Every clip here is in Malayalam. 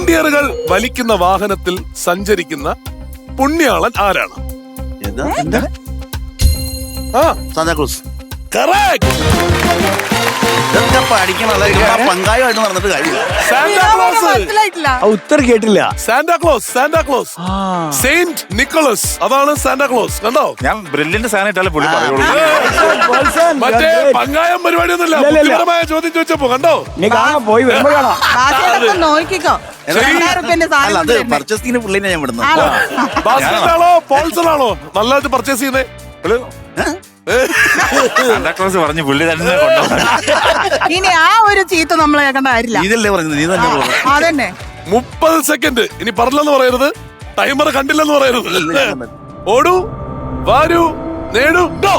റെയിൻഡിയറുകൾ വലിക്കുന്ന വാഹനത്തിൽ സഞ്ചരിക്കുന്ന പുണ്യാളൻ ആരാണ്? സാന്താക്ലോസ്. കറക്റ്റ്. പങ്കാളിയായിട്ട് നടന്നിട്ട് കാര്യമില്ല. ഉത്തരം കേട്ടില്ല. സാന്താക്ലോസ് സെയിന്റ് നിക്കോളസ്, അതാണ് സാന്താക്ലോസ്. കണ്ടോ? ഞാൻ ബ്രില്യന്റ് സാധനമായിട്ടല്ലേ പുള്ളി പറയുള്ളൂ. മറ്റേ പങ്കായം പരിപാടിയൊന്നുമില്ല. ബുദ്ധിപരമായ ചോദ്യം ചോദിച്ചപ്പോ കണ്ടോ? നീ കാണാൻ പോയി വരുമ്പോ കാണാം. അത് പർച്ചേസിംഗിന് പുള്ളിനെ ഞാൻ വിടുന്നു. ബാസ്കറ്റാണോ പോൾസണാണോ നല്ലതായിട്ട് പർച്ചേസ് ചെയ്യുന്നേ? സാന്താക്ലോസ് പറഞ്ഞു പുള്ളി തന്നെ കൊണ്ടുപോകും. ഇനി ആ ഒരു ചീത്ത നമ്മൾ കേൾക്കേണ്ട കാര്യമില്ല. ഇതല്ലേ പറഞ്ഞത്, നീ തന്നെ പറഞ്ഞു. അതന്നെ. 30 സെക്കൻഡ്. ഇനി പറഞ്ഞില്ലെന്ന് പറയരുത്, ടൈമർ കണ്ടില്ലെന്ന് പറയരുത്. ഓടൂ, വാരൂ, നേടൂ, ഗോ.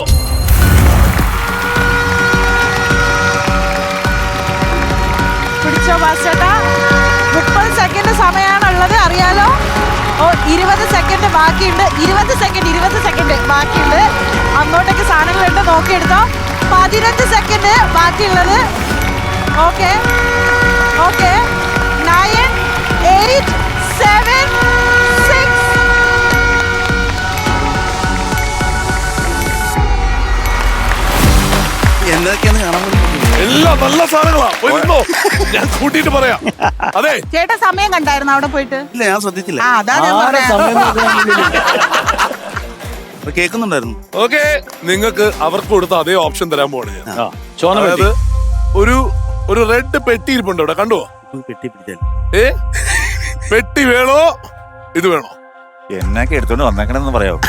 പിടിച്ചോ ബാസ്കേട്ടാ. 30 സെക്കൻഡ് സമയമാണുള്ളത്, അറിയാലോ. 20 സെക്കൻഡ് ബാക്കിയുണ്ട്. 20 സെക്കൻഡ് ബാക്കിയുണ്ട്. അങ്ങോട്ടേക്ക് സാധനങ്ങളുണ്ട്, നോക്കിയെടുത്തോ. 15 സെക്കൻഡ് ബാക്കിയുള്ളത്. ഓക്കെ 9, 8, 7, 6. എന്തൊക്കെയാന്ന് കാണാൻ വേണ്ടി എല്ലാം നല്ല സാധനങ്ങളാ. പോയിരുന്നോ, ഞാൻ കൂട്ടിയിട്ട് പറയാം. അതെ, ചേട്ടാ സമയം കണ്ടായിരുന്നു അവിടെ പോയിട്ട്? ഇല്ല, ഞാൻ ശ്രദ്ധിച്ചില്ല. അതാ ഞാൻ പറഞ്ഞത്. കേൾക്കുന്നുണ്ടായിരുന്നു. ഓക്കെ, നിങ്ങൾക്ക് അവർക്ക് കൊടുത്ത അതേ ഓപ്ഷൻ തരാൻ പോവാണ് ഞാൻ. അതായത് ഒരു റെഡ് പെട്ടി ഇരിപ്പുണ്ട് ഇവിടെ, കണ്ടോ? പെട്ടി പിടിച്ചാൽ പെട്ടി വേണോ ഇത് വേണോ? എന്നൊക്കെ എടുത്തോണ്ട് വന്നേക്കണെന്ന് പറയാമോ?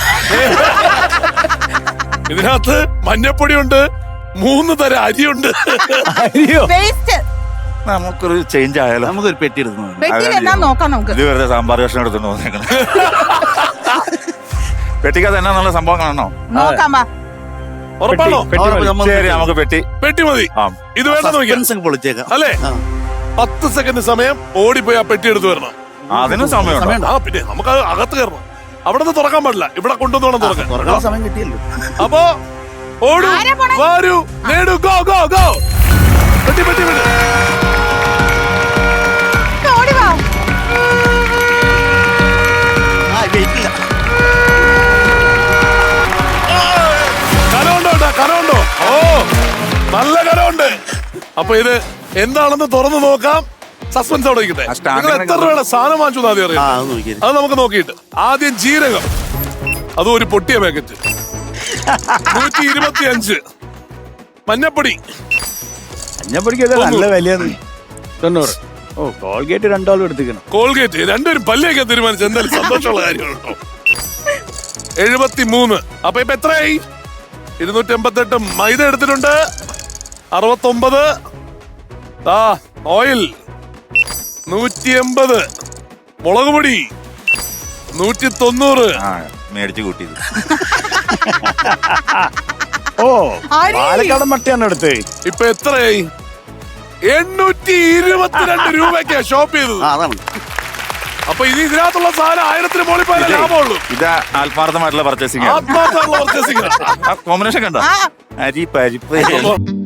ഇതിനകത്ത് മഞ്ഞപ്പൊടിയുണ്ട്, 3 തരം അരിയുണ്ട്. വേസ്റ്റ്. നമുക്കൊരു ചേഞ്ച് ആയാലോ? നമുക്കൊരു പെട്ടി എടുക്കുന്നു. പെട്ടിയിൽ എന്നാ നോക്കാം നമുക്ക്. ഇത് വെറുതെ സാമ്പാർ കഷ്ണം എടുത്തോണ്ട് വന്നേക്കണം. പെട്ടിക്കകത്ത് എന്നാന്നുള്ള സംഭവം കാണണോ? നോക്കാം വാ. ഉറപ്പാണോ? ശരി, നമുക്ക് പെട്ടി മതി. ഇത് വേണ്ട നോക്കിയാ പൊളിച്ചേക്കാം അല്ലേ? 10 സെക്കൻഡ് സമയം, ഓടിപ്പോയി ആ പെട്ടി എടുത്ത് വരണം. അതിനും സമയമുണ്ട്. ആ, പിന്നെ നമുക്ക് അകത്ത് കയറണം. അവിടെ നിന്ന് തുറക്കാൻ പാടില്ല, ഇവിടെ കൊണ്ടുവന്ന് വേണം തുറക്കാൻ. തുറക്കാൻ സമയം കിട്ടിയല്ലോ. അപ്പോ ഓടൂ, വാരൂ, നേടൂ, ഗോ ഗോ ഗോ. പെട്ടി പെട്ടി പെട്ടി. ഓടി വാ. വെയിറ്റില്ല. കനമുണ്ടോ? ഓ, നല്ല കനമുണ്ട്. അപ്പൊ ഇത് എന്താണെന്ന് തുറന്നു നോക്കാം. സസ്പെൻസ് അവിടെ ഇരിക്കട്ടെ. നിങ്ങൾ എത്ര രൂപയുടെ സാധനം വാങ്ങിച്ചു ആദ്യം അറിയാം. അത് നമുക്ക് നോക്കിയിട്ട് ആദ്യം ജീരകം, അതും ഒരു പൊട്ടിയ പാക്കറ്റ്, 125. മഞ്ഞപ്പൊടി നല്ല വിലയാണ്, 90. ഓ, കോൾഗേറ്റ് 2 എടുത്തിക്കണം. കോൾഗേറ്റ് രണ്ടുപേരും പല്ലിയൊക്കെ തീരുമാനിച്ചു. എന്തായാലും സന്തോഷമുള്ള കാര്യമാണോ? 73. അപ്പൊ ഇപ്പൊ എത്രയായി? 288. മൈദ എടുത്തിട്ടുണ്ട് 69. ഓയിൽ 180. മുളക് പൊടി 190. മേടിച്ചു കൂട്ടിയത്. ഓ, പാലക്കാട് മട്ടയാണ് എടുത്ത്. ഇപ്പൊ എത്രയായി? 822 രൂപയ്ക്കാ ഷോപ്പ് ചെയ്തത്. അപ്പൊ ഇത് ഇതിനകത്തുള്ള സാധനം 1000-ന് മുകളിൽ പോയാലേ ലാഭമുള്ളൂ. ഇത് ആത്മാർത്ഥമായിട്ടുള്ള പർച്ചേസിംഗ്. ആത്മാർത്ഥമുള്ള പർച്ചേസിംഗ്. കോമ്പിനേഷൻ കണ്ടോ? അരി പരിപ്പ്